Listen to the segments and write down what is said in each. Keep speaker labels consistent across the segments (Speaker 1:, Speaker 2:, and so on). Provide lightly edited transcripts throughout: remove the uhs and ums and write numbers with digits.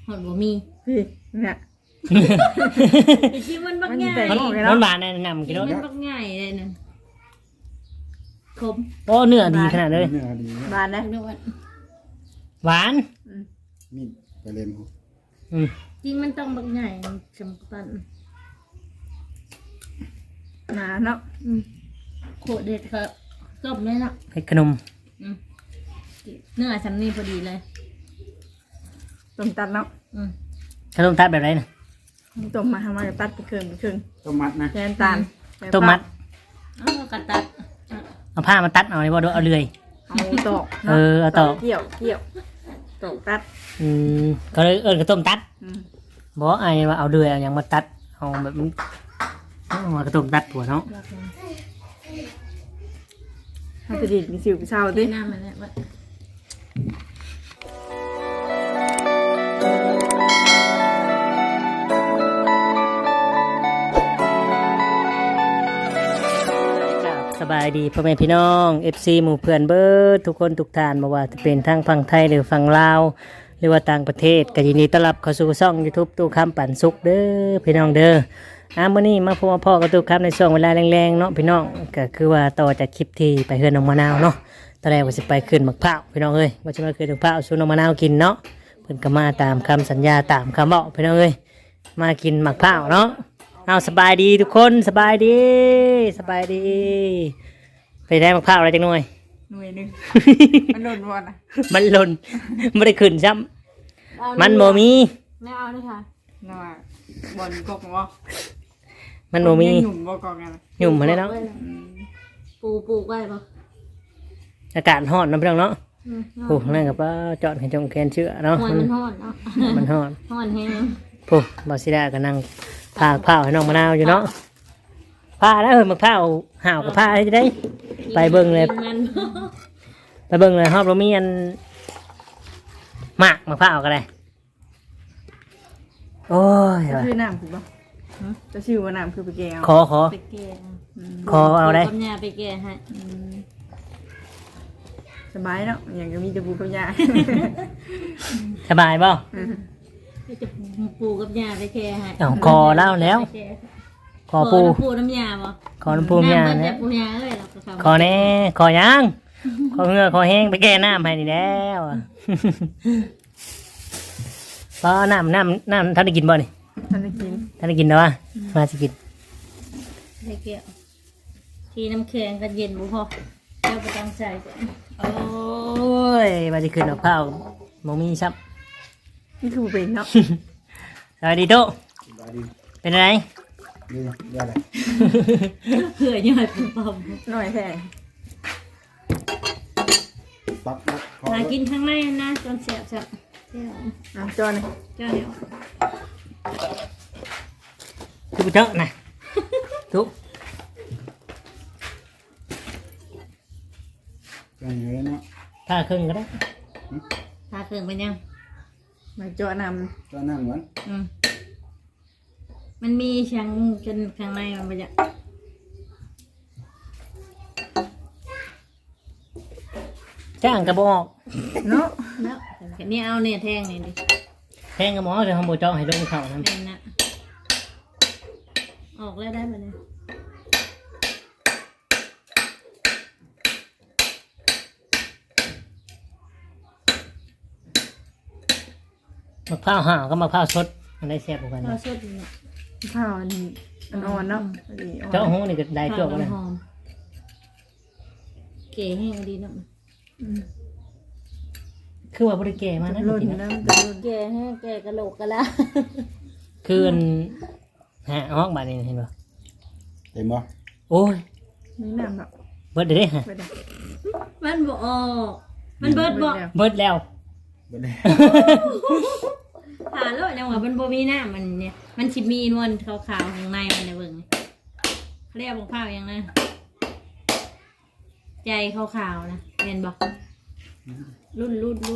Speaker 1: หอดบ่มี
Speaker 2: พี่เนี่ย
Speaker 1: ไอ้ที่มันบักง่าย
Speaker 3: มันหวานแนะนำกิน
Speaker 1: มั
Speaker 3: รส
Speaker 1: นบักง่ายเลยนั่นคม
Speaker 3: โอ้เนื้อดีขนาดเลย
Speaker 4: เนื้อดี
Speaker 2: บานนะ
Speaker 1: นวด
Speaker 3: หวาน
Speaker 4: มีดไปเล่น
Speaker 1: จริงมันต้องบักง่ายจำปัน
Speaker 2: หนาเนาะ
Speaker 1: โคตรเด็ดครับจบเลยเนาะ
Speaker 3: ให้ขนม
Speaker 1: เนื้อชั้นนี้พอดีเลย
Speaker 2: ต้มตัดเนาะ
Speaker 3: ขนมตัดแบบไรนะ
Speaker 2: ต้มมาทำมากับตัดไปครึ่ง
Speaker 4: ต้มมัดนะ
Speaker 2: แทนตาล
Speaker 3: ต้มมัด
Speaker 1: เอากระตัด
Speaker 3: เอาผ้ามาตัดเอาเลยบ่ดูเอาเลย
Speaker 2: เอาตอก
Speaker 3: เอาตอก
Speaker 2: เกี่ยวตอกตัด
Speaker 3: ก็เลยกระต้มตัด
Speaker 2: อืม
Speaker 3: บอกไอ้ว่าเอาเดือยเอาอย่างมาตัดเอาแบบมันเอากระต้มตัดผัวเนาะ
Speaker 2: ถ้าจะดีมีสิวมีเศร้าดิ
Speaker 1: หน้ามันเนี่ยว่า
Speaker 3: สบายดีพ่อแม่พี่น้อง FC หมู่เพื่อนเบิร์ดทุกคนทุกท่านมาว่าจะเป็นทั้งฝั่งไทยหรือฝั่งลาวหรือว่าต่างประเทศก็ยินดีต้อนรับเข้าสู่ช่อง YouTube ตู้คำปั่นสุกเด้อพี่น้องเด้อมื้อนี้มาพบมาพ่อกับตู้คำในช่วงเวลาแรงๆเนาะพี่น้องก็คือว่าต่อจากคลิปที่ไปเฮือนน้องมะนาวเนาะตอนแรกว่าสิไปขึ้นมะพร้าวพี่น้องเอ้ยว่าจะมาขึ้นมะพร้าวสู่น้องมะนาวกินเนาะเพิ่นก็มาตามคำสัญญาตามคำบอกพี่น้องเอ้ยมากินมะพร้าวเนาะเอาสบายดีทุกคนสบายดีไปได้มะพร้าวอะไรจังหน่อย
Speaker 2: หน่วยหนึงมันหล่นวันอ่ะ
Speaker 3: มันหล่นไม่ได้ขึ้นซ้ำมันโมมี
Speaker 1: ไม่เอาเลยค่ะ
Speaker 2: น่าบอลกอกบ่
Speaker 3: มันโมมี
Speaker 2: หนุ่มบ่กอกไง
Speaker 3: หยุ่มมาเลยเนาะ
Speaker 1: ปลูกไว้ปะ
Speaker 3: อากาศร้อนเนาะพี่น้องเนาะโอ้นั่นกับว่าจอดให้จงแคนเชื่อเนาะ
Speaker 1: หัวมันห่อนเนาะ
Speaker 3: มันร้อน
Speaker 1: ห่อนแห้ง
Speaker 3: โอ้บาซิดาก็นั่งพาข้าวให้น้องมะนาวอยู่เนาะผ้าแล้วมะพร้าวห่าวกับผ้าให้ได้ ไปเบิ่งเลย
Speaker 1: มัน
Speaker 3: ไปเบิ่งเลยฮอบเรามีอันหมากมะพร้าวก็ได้โอ้ย
Speaker 2: ชื่อน้ำคือบ่จะชื่อว่าน้ำคือไปแก้ว
Speaker 3: ขอ
Speaker 1: ไปแก่
Speaker 3: ขอเอาได้
Speaker 1: ปัญญาไปแก่ให้
Speaker 2: สบายเนาะอย่างก็มีแต่ปูกับยา
Speaker 3: สบายเปล่า
Speaker 1: จะปลูกกับยาไปแก่ให้
Speaker 3: เอาคอเล่าแล้ว ขอปู
Speaker 1: ปูน้ำยาบ่
Speaker 3: ขอน้ำปูยา
Speaker 1: น้ำ
Speaker 3: เนี่ย
Speaker 1: ปูยาเลยเราก็ทำ
Speaker 3: ขอแน่ขอยังขอเหงือขอแห้งไปแก้น้ำให้นี่แล้วอะ พอน้ำท่านได้กินบ่นี่
Speaker 2: ท่านได้กิน
Speaker 3: ท่านได้กินแล้ววะมาสิกิน
Speaker 1: ไปแก่ทีน้ำแข็งกันเย็นบุพอแล้วไปตั้งใจก่อน
Speaker 3: โอ้ยมาจะขึ้นเอาข้าวมมีซับ
Speaker 2: นี่คือเป็นเนาะ
Speaker 3: สวัสดีโต
Speaker 4: บาดี
Speaker 3: เป็นอะไร
Speaker 4: นี่เรียกอะไร
Speaker 1: เผื่อย่อยปุ่มปั๊ม
Speaker 2: หน่อยแพง
Speaker 4: ตักนะขอ
Speaker 1: หากินข้างในนะจนเสียบจับเสียบ
Speaker 2: จอนี่
Speaker 1: เจ้าเดียว
Speaker 3: ทุกเจ้านะทุก
Speaker 4: กันเยอะเนาะ
Speaker 3: ถ้าครึ่งก็ได้
Speaker 1: ทาเครื่องไปยัง
Speaker 2: มาจอน
Speaker 4: ก็นั่งเหมือน
Speaker 1: มันมีชั้นจนข้างในมันไปจะ
Speaker 3: จ้างกระบอก
Speaker 2: ำเนาะ
Speaker 1: แล้วนี่เอาเนี่ยแทงนี่ดิ
Speaker 3: แทงกระหมอจะทำโบเจ้าให้ลงเข่านะ
Speaker 1: แทงนะออกแล้วได้ปะเนี่ย
Speaker 3: มะพร้าวห่าวก็มะพร้าวสดมันได้แซ่บกว่ากัน
Speaker 1: พอ
Speaker 3: นะ
Speaker 1: สดเนี่ย
Speaker 2: ข้าวอันอ่อนเนาะ
Speaker 3: เจ้าหูนี่ก็ได้จวกเลย
Speaker 1: หอมเก๋แห้งดีเนาะ
Speaker 3: คือว่าบริเกมานะ
Speaker 2: หล่น
Speaker 3: จริงๆ
Speaker 2: น้
Speaker 3: นะ
Speaker 2: ำจะหล่น
Speaker 1: แก่แห้งแก่กระโหลกกระลา
Speaker 3: คืออันหาห้องบ้านนี่เห็นป่ะ
Speaker 4: เต็มบ่
Speaker 3: โอ้ย
Speaker 2: นี่น้ำเนาะ
Speaker 3: เบิดเด้ฮะ
Speaker 2: ไปได้
Speaker 1: มันบ่ออกมันเบิดบ่
Speaker 3: เบิดแล้ว
Speaker 4: เบิดเลย
Speaker 1: ผ่าแล้วยังว่ามันบ่มีหน้ามันเนี่ยมันสิมีนวลขาวๆข้างในมันเนี่ยเบิ่งเขาเรียกบอกข้าวยังนะใจขาวๆนะเห็นบ่รุ่น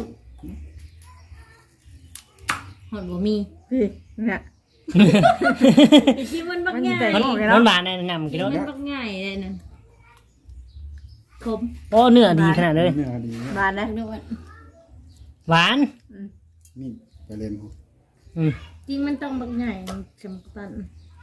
Speaker 1: หอดบ่มี
Speaker 2: พี่เนี่ย
Speaker 1: ไอ้ที่มันบัก
Speaker 2: มัน
Speaker 1: ง่าย
Speaker 2: แต่
Speaker 3: มันหวานแนะนำกินรส
Speaker 1: มันบักง่ายเลยนั่นคม
Speaker 3: โอ้เนื้อดีขนาดเลย
Speaker 4: เนื้อดี
Speaker 2: บานนะ
Speaker 1: นวล
Speaker 3: หวาน
Speaker 4: มีดไปเล่น
Speaker 3: อืม
Speaker 1: จริงมันต้องบักใหญ่จำปัน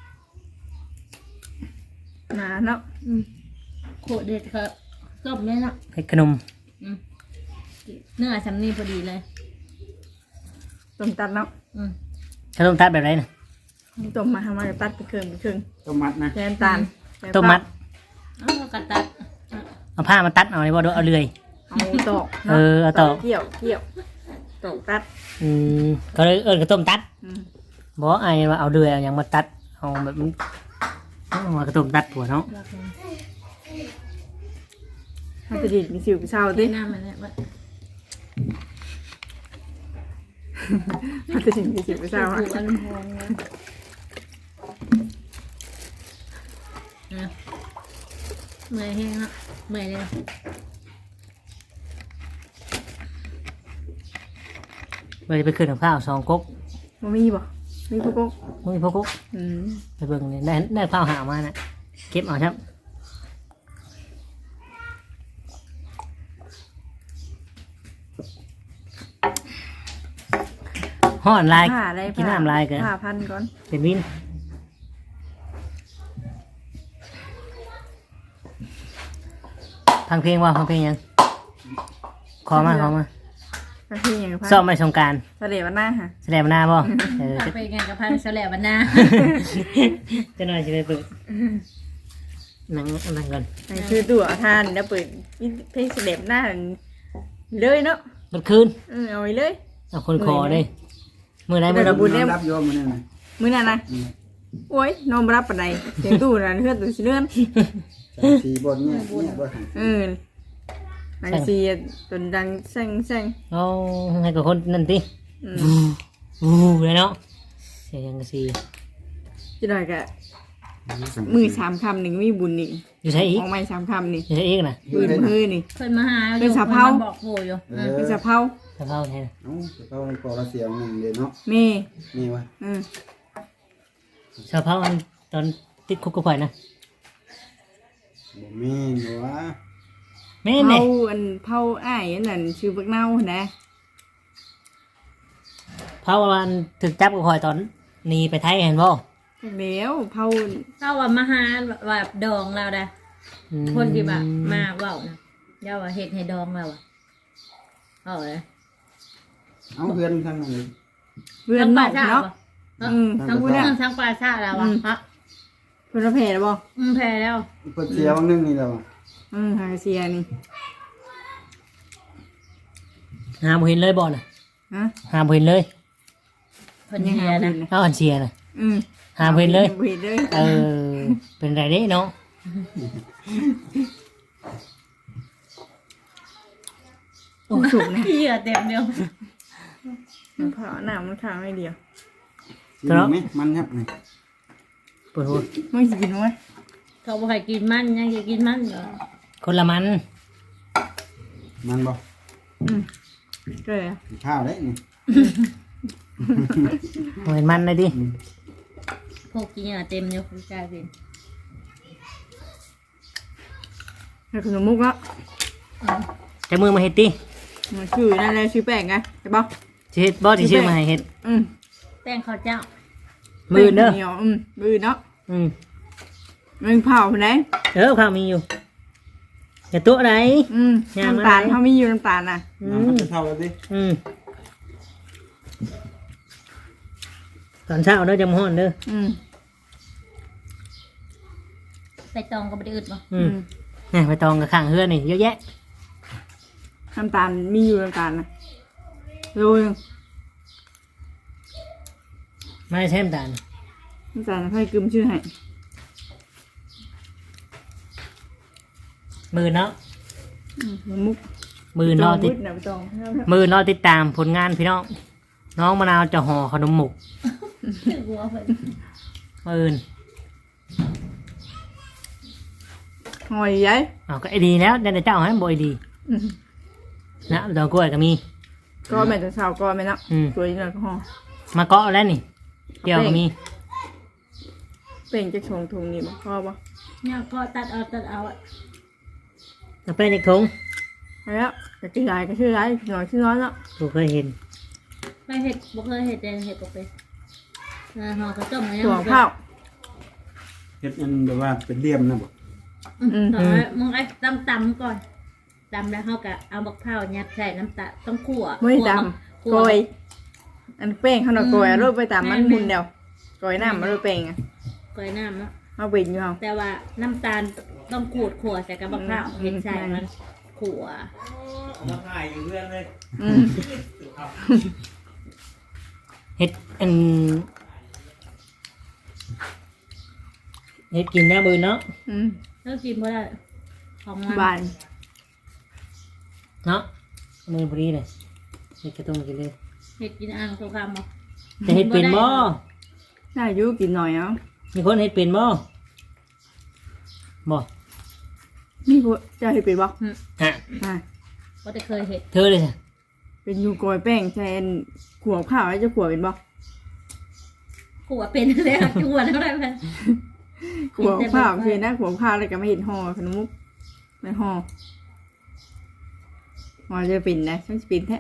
Speaker 2: หนาเนาะ
Speaker 1: โคตรเด็ดครับต้มเลยเนาะ
Speaker 3: เฮ็ดขนม
Speaker 1: อืมเนื้อสำนีพอดีเลย
Speaker 2: ต้มตัดเนาะ
Speaker 1: อืม
Speaker 3: ขนมตัดแบบไรน่ะ
Speaker 2: ต้มมาทำมาก็ตัดไปครึ่งไปครึ่ง
Speaker 4: ต้มมัดนะ
Speaker 2: แทนตาล
Speaker 3: ต้มมัด
Speaker 1: เอากระตัด
Speaker 3: เอาผ้ามาตัดเอาเลยบ่เอาเลื่อย
Speaker 2: เอาตอก
Speaker 3: เออเอาตอก
Speaker 2: เกี่ยวตอกตัด
Speaker 3: ก็เลยข้าวต้มตัด
Speaker 2: อืม
Speaker 3: บอกไอ้ว่าเอาเลื่อยเอาหยังมาตัดเอาแบบมันเอามากระต้มตัดผัวเนาะ
Speaker 2: ถ้าจะดีมีสิวมีเศร้าดิ
Speaker 1: หน้ามันเนี่ยว่า
Speaker 2: ถ้าจะดีมีสิวมีเศร้า
Speaker 1: ผูกอันพองนะเมื่อยแห้งแล้วเมื่อยเลย
Speaker 3: ไปขึ้นกับข้าว2 ก๊ก
Speaker 2: มันมีบ่มีพวกก
Speaker 3: มึงพวกก๊ก
Speaker 2: อืม
Speaker 3: ไปเบิ่งนี่ได้ข้าวหามาน่ะเก็บเอาครับห่อนลาย
Speaker 2: ผ้าอะไร
Speaker 3: กินน้ำลายเกิน
Speaker 2: ผ้าพันก่อน
Speaker 3: เป็นวินฟังเพลงว่าฟังเพลงยังขอมา
Speaker 2: กระเทียมกับพัน
Speaker 3: ซ้อมไปสงกราร
Speaker 2: ทะเลวันหน้าฮะ
Speaker 3: แสดงมาหน้าบ่จะ
Speaker 1: ไปงานกับพันเสลบันนา
Speaker 3: จะหน่อยจะไปเปิดนั่งก่อน
Speaker 2: นี่คือตัวทานแล้วเปิดเพลงเสด็จหน้าเลยเนาะ
Speaker 3: รถคืน
Speaker 2: เอาไปเลย
Speaker 3: เอาคนคอเลยมือไหนมือ
Speaker 2: เดี๋ยว
Speaker 3: บุญ
Speaker 2: เนี่ย
Speaker 4: รับโยมมาเนี่ยนะ
Speaker 2: มื้อนั้นนะโอ้ยนอนบ่รับปานใดเสียงตู้นั่นเฮือนตู้สิเลื่อน
Speaker 4: สีบนเนี่ยเนี่ยบ่
Speaker 2: นังซีจนดังแซง
Speaker 3: เอาให้กับคนนั่นติเลยเนาะเสียงกระซี
Speaker 2: จะได้กะมือ3 คำนึงมีบุญนี่
Speaker 3: อยู่ใช่อีก
Speaker 2: ของไม่3 คำนี่
Speaker 3: อยู่ใช่อีกนะ
Speaker 2: ปืนมือนี่
Speaker 1: เพิ่นมาหา
Speaker 2: เป็นสะเพรา
Speaker 1: บอกโผอยู่
Speaker 2: เป็นสะเพรา
Speaker 3: สะเพราใช่
Speaker 4: เอ้าเขาปอละเสียงหนึ่งเดียวเนาะ
Speaker 2: แม่
Speaker 4: นี่วะ
Speaker 3: สะเพราตอนติดคุกก็ปล่อยนะ
Speaker 4: บ่แม่นบ่วะ
Speaker 3: แม่เนี่ย
Speaker 2: เผาอ้ายอันนั้นชื่อบักเน่านะ
Speaker 3: เพราะว่ามันถึกจับก็คอยตอนหนีไปไทยเห็นบ่
Speaker 2: เดี๋ยวเผา
Speaker 1: เราว่ามาหาแบบดองเราได้คนที่แบบมาเว้านะเดี๋ยวว่าเฮ็ดให้ดองเราอ่ะเอาเลย
Speaker 4: เอาเพื่อนทางนั้นเลย
Speaker 2: เพื่อนนอกเนาะ
Speaker 1: ทั้งผู้นั้นทั้งปลาชาแล้วอ่ะฮะ
Speaker 2: เพื่อนแผ่แล้วบ่
Speaker 1: แพ้แล้ว
Speaker 4: เปิดเสียงนึงนี่แล้วอะ
Speaker 2: หาเสียนี่
Speaker 3: หาบ่เห็นเลยบ่น่ะ
Speaker 2: ฮะ
Speaker 3: หาบ่เห็นเลย
Speaker 1: เพิ่นเชียร์นะ
Speaker 3: เอาอันเชียร์น่ะ
Speaker 2: อืม
Speaker 3: หาบ่เห็นเลย
Speaker 2: บ่เห็นเลย
Speaker 3: เป็นไรเด้เนาะ
Speaker 2: โอ้สุกนะ
Speaker 1: เหี้ยเต็มเดียว
Speaker 2: มันเผาหน้ามันข้างไม่เดียว
Speaker 4: กินไหมมันครับนี่
Speaker 3: ปวดหัว
Speaker 2: ไม่สิกินมั้ย
Speaker 1: เขาบอกให้กินมันยังจะกินมันเหรอ
Speaker 3: คนละมัน
Speaker 4: มันบ่
Speaker 2: ก็เลย
Speaker 4: ข้าวได้นี่
Speaker 3: เหมือนมันเลยดิ
Speaker 1: พวกกินเต็มเดียวคุณกลายเป็น
Speaker 2: ให้ขนมมุกแล้ว
Speaker 3: จะมือมาเฮ็ดติ
Speaker 2: มันชื่อนั่นแหละชื่อแป้งไงใช่ป่ะ
Speaker 3: สิเฮ็ดบ่สิชื่อมาให้เฮ็ด
Speaker 1: แป้งข้าวเจ้า
Speaker 3: มือเด้อ
Speaker 2: เหนียวมือเนาะ
Speaker 3: อืม
Speaker 2: มันเผาไปไหน
Speaker 3: ข้าวมีอยู่อย่าตัวไหน ย่างมา
Speaker 2: น้ำตาล
Speaker 3: ไหน
Speaker 2: เขามีอยู่น้ำตาลน่ะ
Speaker 4: น้ำมันจะเท่ากันดิ
Speaker 3: ตอนเช้าเด้อจำฮ้อนเด้อ
Speaker 1: ใส่ตองก็ไม่ได้อึดบ่
Speaker 3: นี่ไปตองกับข้างเฮือนนี่เยอะแยะ
Speaker 2: น้ำตาลมีอยู่น้ำตาลน่ะโรย
Speaker 3: ไม่ใช่น้ำตาล
Speaker 2: น้ำตาลค่อยกึมชื่อให้
Speaker 3: มือเนาะ
Speaker 2: มุก
Speaker 3: มือนอติด
Speaker 2: นะไปตอง
Speaker 3: มือนอติดตามผลงานพี่น้องน้องมะนาวจะห่อขนมหมก
Speaker 1: หัวเพิ่น
Speaker 3: มือน
Speaker 2: หอยใหญ่
Speaker 3: เอาก็ไอดีแล้วแต่เจ้าให้บ่ไอดีนะดอกกล้วยก็มี
Speaker 2: ก็แม่จะเช้าก็แม่เนาะสวยเลยก็ห่อ
Speaker 3: มาเกาะแล้วนี่เกี่ยวก็มี
Speaker 2: เป็นจะชงถุงนี่บ่พอบ่
Speaker 1: เนี่ยก็ตัดเอาอะ
Speaker 3: เอาไปในคง
Speaker 2: แล้วจะกินไรก็ชื่อไรหน่อยชื่อน้อยเนาะ
Speaker 3: กูเคยเห็น
Speaker 1: ไม่เห็ดบ่เคยเห็ดแต่เห็ดปกติห่อข้าวต้มอะไร
Speaker 2: ถั่วข้าว
Speaker 4: เฮ็ดอันแบบว่าเป็นเหลี่ยมนะบ่
Speaker 1: ต่อไปมึงไอ้ตำก่อนตำแล้วเขาก็เอาบักเผายัดใส่น้ำตาลต้องคั่ว
Speaker 2: ไม่ดำโกยอันแป้งเขาหน่อยโกยรูปไปตามมันมุนเดียวโกยน้ำมารูปแป้งอ่ะ
Speaker 1: กอยน้ำเนาะ
Speaker 2: เอาเป็นอยู่เอา
Speaker 1: แต่ว่าน้ำตาลต้องขูดขั่วใส่กับบักเผาเห็นใส่มันขั่ว
Speaker 3: มาถ่ายอยู่เรื่องเลย
Speaker 2: อืม
Speaker 3: เฮ็ดอันเฮ็ดกินได้บืนเนาะ
Speaker 2: อืม
Speaker 1: แล้วกินเพราะอะไรของมัน
Speaker 2: บาน
Speaker 3: เนาะมือพอดีเลยเฮ็ดกระตุ้งกินเลย
Speaker 1: เห็ดกินอ่างตัวคำบ่
Speaker 3: จะเฮ็ดเป็นบ่
Speaker 2: น่าอยุ่กินหน่อยเอา
Speaker 3: มีคนเฮ็ดเป็นบ่บ่
Speaker 2: นี่กูจะให้เป็นบ่
Speaker 3: ฮะ
Speaker 2: อ่ะ
Speaker 1: ก็จะเคยเห็ด
Speaker 3: เธอเลยจ้ะ
Speaker 2: เป็นอยู่โกยแป้งแทนขวบข้าวแล้วจะขวบเป็นบ่
Speaker 1: ขั่วเป็นเลยอะขั่วแล้วได้ไหม
Speaker 2: ขวบข้าวคือนะขวบข้าวแล้วก็ไม่เห็นห่อขนมมุกไม่ห่อจะเป็นนะช่างจะเป็นแท้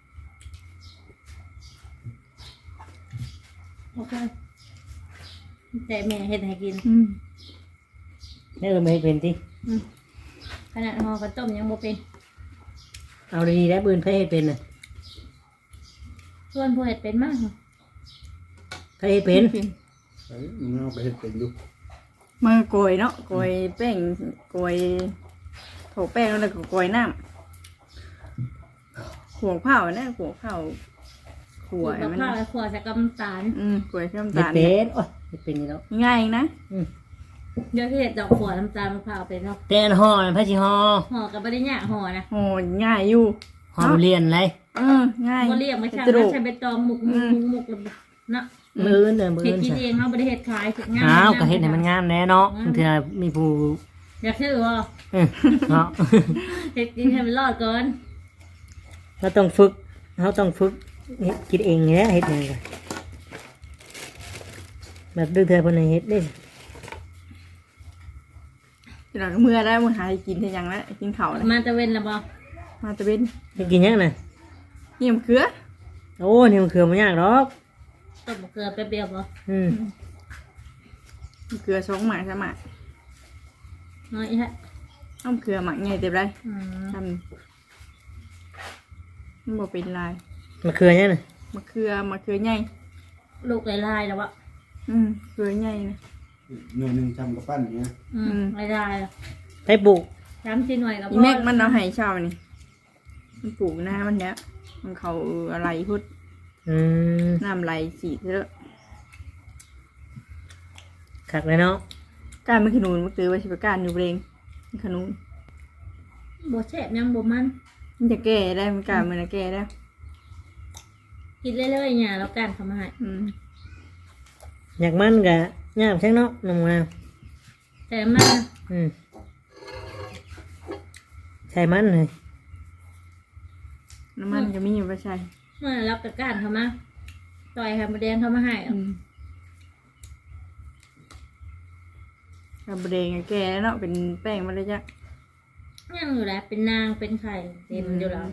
Speaker 1: โอเคแต่แม่เห็ดให้กิน
Speaker 2: อืม
Speaker 3: นี่ไม่เฮ็ดเป็นติ
Speaker 1: ขนาดห่อข้าวต้มยังบ่เป็น
Speaker 3: เอาดีๆได้บืนไผเฮ็ดเป็นน่ะ
Speaker 1: ส่วนผู้เห็ดเป็นมาก
Speaker 3: ไผเฮ็ดเป็น
Speaker 4: เอ้ยมันเอาไปเฮ็ดเป็นอยู่
Speaker 2: มาโกยเนาะโกยแป้งโกยโถแป้งแล้วก็โกยน้ำขวบข้าวนะขวบข้าวข
Speaker 1: ขั่
Speaker 2: ว
Speaker 1: ว
Speaker 2: บ
Speaker 1: กับ
Speaker 2: มัน
Speaker 1: ข้าวและขั่วใส่กับน้ำตาล
Speaker 2: โกยข้าว
Speaker 3: เฮ็ด
Speaker 2: ตาล
Speaker 3: เป็นโอ้ยเฮ็ดเป็นนี่แล้ว
Speaker 2: ง่ายเองนะ
Speaker 1: เดี๋ยวที่เห็ดดอกขั่วน้ำตาลมะพร้าวเป็นเนาะ
Speaker 3: แต่อันห่อน่ะไผสิห่อ
Speaker 1: ห่อกับไม่ได้ยากห่อนะ
Speaker 2: โหง่ายอยู่
Speaker 3: ห่อทุเรียนไร
Speaker 2: ง่าย
Speaker 1: ก็เรียกไม่ใช่
Speaker 2: กระดูก
Speaker 1: ใช้ใบตองหมุกเนาะ
Speaker 3: มื้ออื่นเด้อมื้อ
Speaker 1: เห็ด
Speaker 3: อื่น
Speaker 1: กิน
Speaker 3: ซะ
Speaker 1: เองเขาไม่ได้เห็ดขายถึงงาน
Speaker 3: อ้าวก็เฮ็ดให้มันงามแน่เนาะบางเทื่อมีผู้
Speaker 1: อยากซื้อว่า
Speaker 3: เนาะ
Speaker 1: เห็ดกินให้มันรอดก่อน
Speaker 3: เราต้องฝึกเฮ็ดกินเองเนี่ยเฮ็ดเองก็แบบดื้อเธอคนไหนเฮ็ดได้
Speaker 2: หลังเมื่อได้มือหากินที่ยังแล้วกินเข่าแล้ว
Speaker 1: มาตะเวนละบ่
Speaker 2: มาตะเวน
Speaker 3: เฮ็ดกินยังน่ะ
Speaker 2: เยี่ยมเกลือ
Speaker 3: โอ้นี่มันคือมันยากหรอก
Speaker 1: ต้มเกลือแป๊บเดียวบ่
Speaker 3: อืม
Speaker 2: เกลือ2 หมาก3 หมาก
Speaker 1: น้อยฮะ
Speaker 2: ต้มเกลือหมักไงเต็มไร
Speaker 1: อืม
Speaker 2: ทำมันบอกเป็นลาย
Speaker 3: มันคือยังน่ะ
Speaker 2: มะเขือใหญ่
Speaker 1: ลูกลายๆแล้วบ่
Speaker 2: เกลือใหญ่นะ
Speaker 4: หน่วยหนึงทำกับปั้นอย่างเงี้ย
Speaker 1: ลาย
Speaker 3: ไปปลูก
Speaker 1: ๆ3-4หน่วยกับ
Speaker 2: อีแม็กมันเอาให้เช่านี่มันปลูกหน้ามันเนี้ยมันเขาอะไรพุด
Speaker 3: อืม
Speaker 2: น้ำไหลสีเถอะ
Speaker 3: คักเลยเนาะ
Speaker 2: การมันขนุนมันตือไว้ชิบการอยู่เรงมันขนุน
Speaker 1: บ่แซ่บยังบ่มัน
Speaker 2: มันจะแก่ได้มันการมันจะแก่ได้
Speaker 1: กินเรื่อยๆเนี่ยแล้วกันทำมาให้
Speaker 3: อยากมันก็ยากใช่เนาะน้ำงาม
Speaker 1: แต่มัน
Speaker 3: อืมใช่มันเลย
Speaker 2: น้ำมันก็มีอยู่ประชัย
Speaker 1: เมื่อรับกับการทำมาต่อยให้มะแดงทำมาให้
Speaker 2: กับเรงก็แก่แล้วเนาะเป็นแป้งมันเลยจ้ะ
Speaker 1: ยังอยู่แล้วเป็นนางเป็นไข่เต็มอยู่แล้ว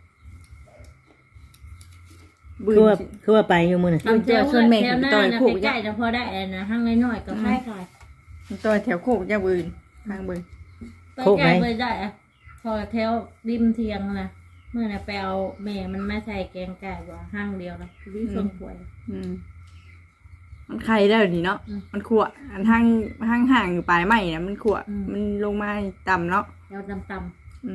Speaker 2: บื
Speaker 3: คือว่าไปอยู่มื้อน่ะ
Speaker 2: บืนเจอชนแม่
Speaker 1: แถ
Speaker 2: ถึ
Speaker 1: ว
Speaker 2: ง
Speaker 1: หน้า
Speaker 2: ต่อย
Speaker 1: นะ
Speaker 2: โขก
Speaker 1: ใก
Speaker 2: จ้ะ
Speaker 1: ล้ๆนะพอได้นะห้างน้อยๆก็คล้าย
Speaker 2: ต่อยแถวโขกจ้ะบืนทางบืน
Speaker 1: ๆไปใกล้ไปได้อะพอแถวริมเทียงนะเมื่อน่ะไปเอาแม่มันมาใส่แกงไก่ว่าห้างเดียวนะวิส่งป่วย
Speaker 2: มันไข่ได้ดีเนาะ มันขวอันห่างอยู่ปลายไม้นะมันขวมันลงมาต่ำเนาะ
Speaker 1: แล้วตำ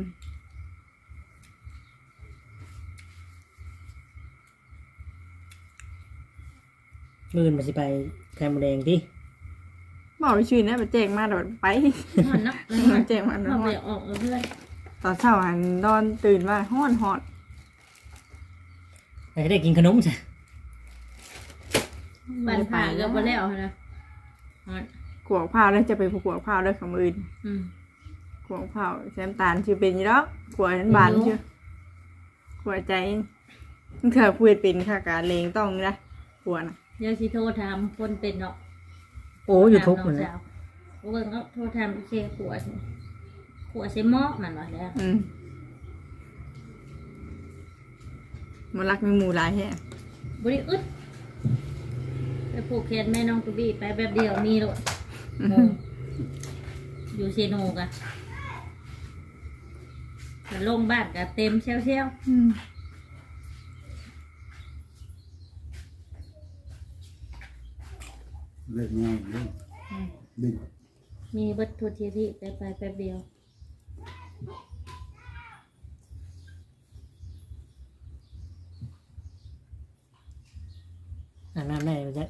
Speaker 3: มื้ออื่นมันสิไปแคมแดงติ
Speaker 2: บอกชื่อนะไปแจ้งมาโดดไป
Speaker 1: ๆห่อนเนาะ
Speaker 2: แจ้งมาโด
Speaker 1: ห่อ
Speaker 2: ด
Speaker 1: นไปออกเพื่อน
Speaker 2: ตอนเช้าหันนอนตื่นมาห้อน
Speaker 3: ไปได้กินขนมจ้ะ
Speaker 1: ปั่นผ่าก็มาแล้วนะห่อน
Speaker 2: ขวบข้าวแล้วจะไปขวบข้าวด้วยคำอื่น
Speaker 1: อืม
Speaker 2: ขวบข้าวแซมตาลชื่อเป็นอยี่แล้วขวบนั้นบานชื่อขวบใจเธอพูดเป็นค่ะการเลงต้องนะขวบนะ
Speaker 1: เดี๋ยวสิโทรถามคนเป็นเนาะ
Speaker 3: โอ้อยู่ทุกมื้อ
Speaker 1: นะ
Speaker 3: นะ
Speaker 1: โอ้ยก็โทรถามอีเซขวดเซมอกมันว่าแล้ว
Speaker 2: มันรักมีหมูหลายแฮะ
Speaker 1: บริอึดไปผูกแขนแม่น้องตุบี้ไปแบบเดียวมีโลดอยู่เซโนกะแต่ลงบ้านกะเต็มเชี่ยว
Speaker 4: เลิกงานเลิกดึง
Speaker 1: ๆมีเบิดทัวทีที่ไปแป๊บเดียว
Speaker 3: อาบน้ำได้บ่จ๊ะ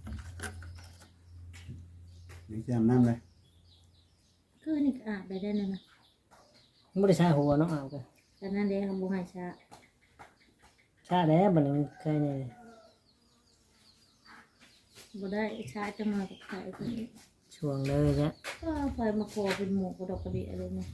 Speaker 4: เดี๋ยวจะอาบน้ำเลย
Speaker 1: คือนี่ก็อาบได้นะ
Speaker 3: บ่ได้ชาหัวเนาะเอากัน
Speaker 1: แต่นั่นเด้ทำบุญให้ชา
Speaker 3: ชาแล้วบัดนี้มันเคยนี่
Speaker 1: บ่ได้ชาจังมากับใครคนนี้
Speaker 3: ช่วงเลยจ้ะ
Speaker 1: ก็ไฟมาโคเป็นหมูกระดกกระเดียอะไรเนี่ย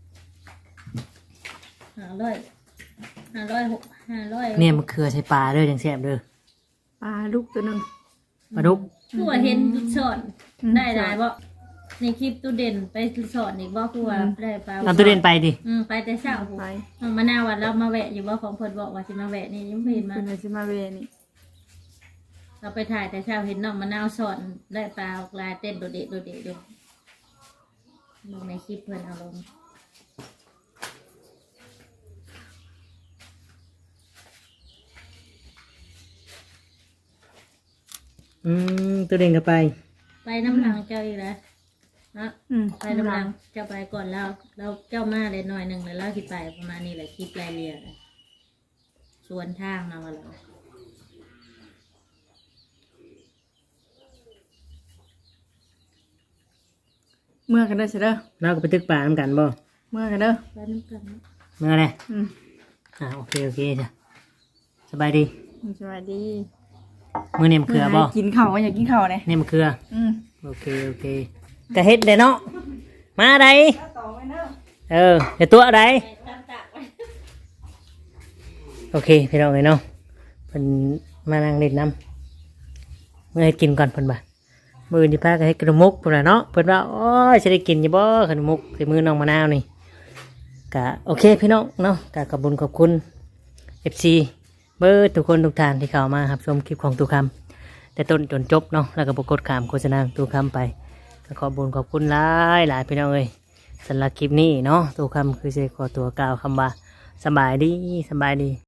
Speaker 1: 500
Speaker 3: เนี่ยมันเคือใส่ปลาเด้อจังแซ่บเด้อ
Speaker 2: ปลาลูกตัวหนึง
Speaker 3: ปลาดุก
Speaker 1: คือว่าเห็นสอนได้หลายบ่ในคลิปตู้เด่นไปสอนอีกบ่คือว่าได้ปลา
Speaker 3: เอาตัวเด่นไปดิ
Speaker 1: ไปแต่เช้า
Speaker 2: ไป
Speaker 1: มะนาววันเรามาแวะอยู่บ่ของเพิ่นบอกว่าสิมาแวะนี่ยังไม่เห็นมา
Speaker 2: เป็นสิมาเวนี่
Speaker 1: เราไปถ่ายแต่เช้าเห็นน้องมะนาวสอนได้ปลาลายเต้นโดดเดะโดดเดะอยู่ลงในคลิปเพิ่นเอาลง
Speaker 3: ตัวเด่นก็ไป
Speaker 1: ไปน้ำหลังเจ้าอีกแล้วนะ ไปน้ำหลังเจ้าไปก่อนแล้วเจ้ามาเลยหน่อยหนึ่งแล้วเราสิไปประมาณนี้แหละคลิปรายเรียเลยสวนทางมาว่าเรา
Speaker 2: เมื่อกันเด้อเสยเด้อ
Speaker 3: เราก็ไปตึกป่าน้ำกันบ่
Speaker 2: เมื่อกันเด้อ
Speaker 1: ไปน้ำกันเนาะ
Speaker 3: เมื่อไร
Speaker 2: อืม
Speaker 3: โอเคจ้ะสบายดี
Speaker 2: สวัสดี
Speaker 3: มื้อนี้มันเคือบ่
Speaker 2: กินข้าวอยากกินข้าวเนี่ย
Speaker 3: นี่มันเคือ
Speaker 2: อืม
Speaker 3: โอเคกะเฮ็ดเลยเนาะมาไดเดี๋ยวตัวอะไร โอเคพี่น้องเลยเนาะเพิ่นมานั่งเล่นน้ำเมื่อให้กินก่อนเพิ่นบ่ามื้อนี้พาก็ให้ขนมมุกเพิ่นว่าเนาะเพิ่นว่าโอ้ยสิได้กินอยู่บ่ขนมมุกใส่มือน้องมะนาวนี่ก็โอเคพี่น้องเนาะก็ขอบคุณFC เบอร์ทุกคนทุกท่านที่เข้ามารับชมคลิปของตูคำแต่ต้นจนจบเนาะแล้วก็บ่กดข้ามโฆษณาของตูคำไปก็ขอบคุณหลายพี่น้องเอ้ยสำหรับคลิปนี้เนาะตูคำคือสิขอตัวกล่าวคำว่าสบายดี